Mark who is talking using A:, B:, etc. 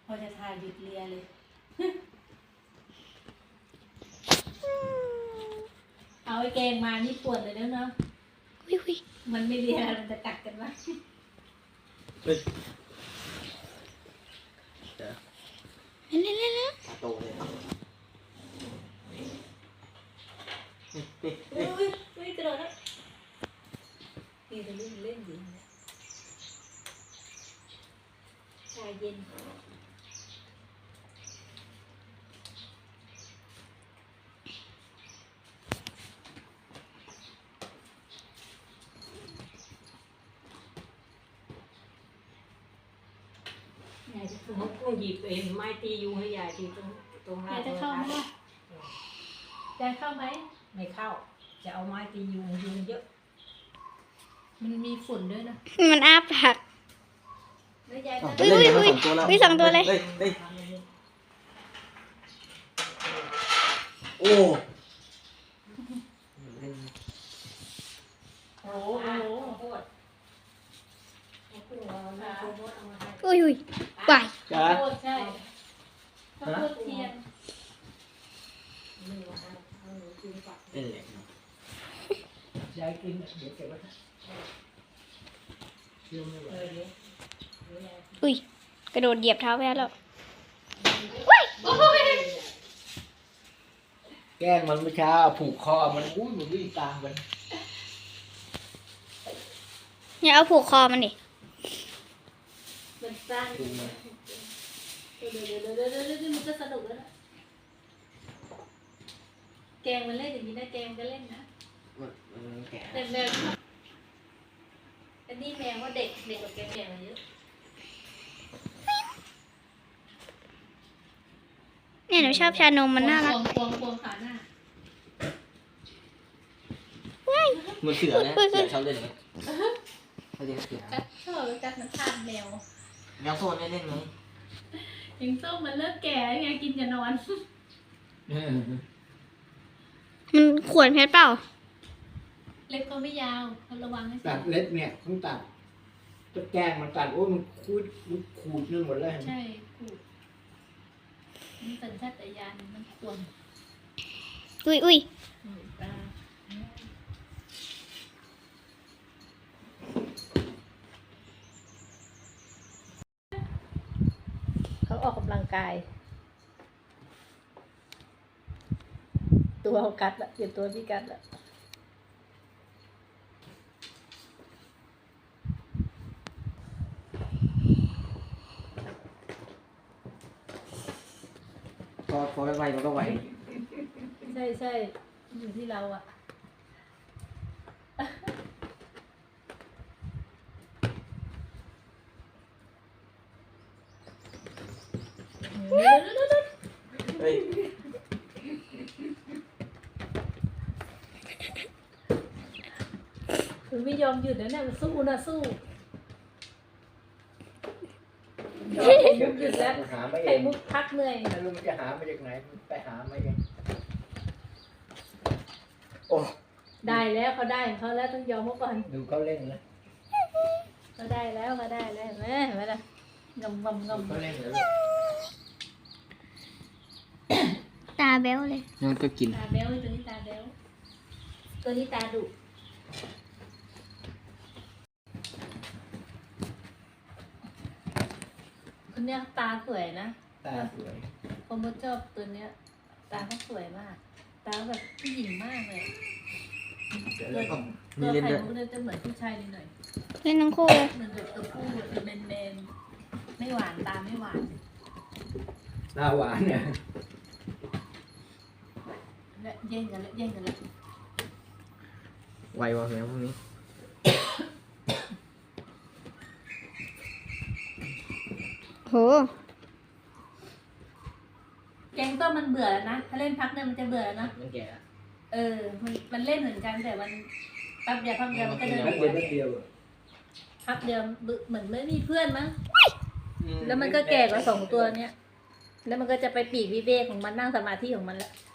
A: พอจะถ่ายหยุดเลียเลยเอาไอ้แกงมานี่ปวดเลยเนาะ
B: วิ
A: มันไม่เลียมันจะกัดกันวะ
C: เฮ้ย
B: เล่น
C: โตเลย
A: อุ้ยกระโดดแล้วนี่จะเล่นอยู่เนี่ยชาเย็นยายจะเข้า
D: เขาก็หยิบเองไม้ตียุงให้ยายทีตรง
A: ยายจะเข้าไหมล่ะยายเข้าไหม
D: ไม่เข้า จะเอาไม้ตียุงเยอะ
A: มันมีฝุ่นด้วยนะ
B: มันอ้าปาก
A: แล้วยาย
C: อ้าว
A: จะ
C: เล่นกันมา2 ตัวแล้ว
B: สองตัวเลย
C: เฮ้ยโอ้
A: โอ้โห
D: โคตรให้พึ่งเรานะโคตรเอามาให้
B: อุ้ยไหว
C: จ้า
A: ข้าวโพดใช่ข้าวโพดเทียน
D: นี่ว่าเอาหนูกินก่อน
C: เล่นแหลก
D: ยายกินเดี๋ยวเก็บไว้เดี๋ยว
B: อุ้ยกระโดดเหยียบเท้าแพ้แล้ว
C: แกล้งมันเมื่อเช้าผูกคอมันอุ้ยมันวิ่งตามกัน
B: อย่าเอาผูกคอมันดิ
A: มันสั้น
C: ดูมัน
A: เดี๋ยวมันจะสนุกแล้วนะแกงมันเล่นอย่างนี้นะแกงก็เล่นนะ
C: มันแก่
A: แต่แมวอันนี้แมวว่าเด็กกว่าแกแมวเยอะ
B: เนี่ยหนูชอบชานมมันน่ารัก
A: ควงขาหน้า
C: มันเสือนะเสือชอบเล่นไหมเขาเรียกเสือ
A: กัดชอบกัดมันทานแมว
C: แมวโซนได้เล่นไหม
A: ยิงส้มมันเลิกแก่ไงกินจะนอน
B: มันขวนเพชรเปล่า
A: เล็บก็ไม่ยาวเขาระวังให้
E: ตัดเล็บเนี่ยต้องตัดจะแกล้งมันตัดโอ้ยมันขูดนั่นหมดเลย
A: ใช่ขูดมันสัญชาตญาณมันควร
B: อุ้ย
A: ตาเขาออกกำลังกาย ตัวเขากัดละเดี๋ยวตัวพี่กัดละ
C: พอไวมันก็ไหว
A: ใช่อยู่ที่เราอะ
C: เฮ้ย
A: มันไม่ยอมหยุดนะเนี่ยมันสู้นะสู้หยุดแล้ว
E: มันหาไม่เอ
A: ไข่
E: ง
A: มุกพักเหนื่อย
E: ไม่รู้มันจะหามาจากไหนมันไปหามาเอง
C: โอ้
A: ได้แล้วเขาได้ของเขาแล้วต้องยอมเขาก่อน
E: ดูเขาเล่นนะ
A: เขาได้แล้วแม่เห็นไหมล่ะงำ
E: ดูเขาเล่นแล้ว
B: ตาแบ๊วเลย
C: มันก็กิน
A: ตาแบ๊วตัวนี้ตาแบ๊วตัวนี้ตาดุคนเนี้ยตาสวยนะ
E: ตาสวย
A: ผมก็ชอบตัวเนี้ย ตาเขาสวยมาก ตาแบบผู้หญิงมากเลย
C: แล้วก็
A: ตั
C: มี
A: ว
C: เล่น
A: ไข่
C: ด้วย
A: มุกเนี่ยจะเหมือนผู้ชายนิดหน่อย
B: เล่นทั้งคู่เลย
A: เหมือนแบบตัวผู้เป็นแมนๆไม่หวานตาไม่หวาน
E: ตาหวานเนี่ย
A: และแย่งกันแล้ว
C: ไววะแมวพวกนี้
B: โห
A: แกงต้มมันเบื่อแล้วนะ ถ้าเล่นพักเนี่ยมันจะเบื่อแล้วนะ
C: มันแก่
A: มันเล่นเหมือนกันแต่มันแป๊บเดียวมันก็เดิน
E: นัดเดียวนัดเดียว
A: พักเดียวเหมือนไม่มีเพื่อนมั้ง แล้วมันก็แก่กว่า2 ตัวเนี้ย แล้วมันก็จะไปปีกวิเวกของมันนั่งสมาธิของมันแล้ว